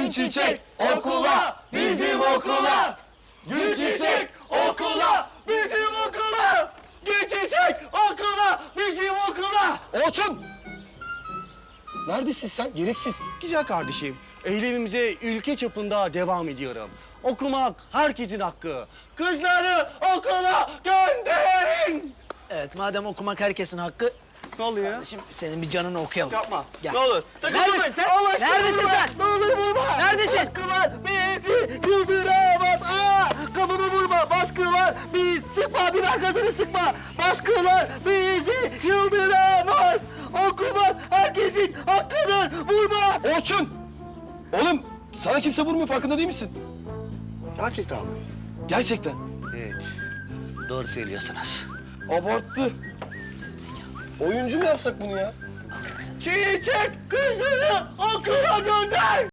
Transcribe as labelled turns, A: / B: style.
A: Gül çiçek okula, bizim okula. Gül çiçek okula, bizim okula. Gül çiçek okula, bizim okula.
B: Orçun! Neredesin sen? Gereksiz.
A: Güzel kardeşim, eylemimize ülke çapında devam ediyorum. Okumak herkesin hakkı. Kızları okula gönderin.
C: Evet, madem okumak herkesin hakkı,
A: Ne oluyor?
C: kardeşim senin bir canını okuyalım.
A: Yapma.
C: Gel.
A: Ne olur.
C: Neredesin sen?
A: Allah aşkına
C: Neredesin
A: vurma.
C: sen?
A: Ne olur vurma.
C: Neredesin?
A: Baskı var. Bizi yıldıramaz. Kafamı vurma. Baskı var. Sıkma. Biber gazını sıkma. Baskılar bizi yıldıramaz. Okumak herkesin hakkıdır. Vurma.
B: Orçun! Oğlum sana kimse vurmuyor, farkında değil misin?
A: Gerçekten mi?
B: Gerçekten.
A: Evet. Doğru söylüyorsunuz.
B: Abarttı. Oyuncu mu yapsak bunu ya?
A: Çiçek kızını okula gönder.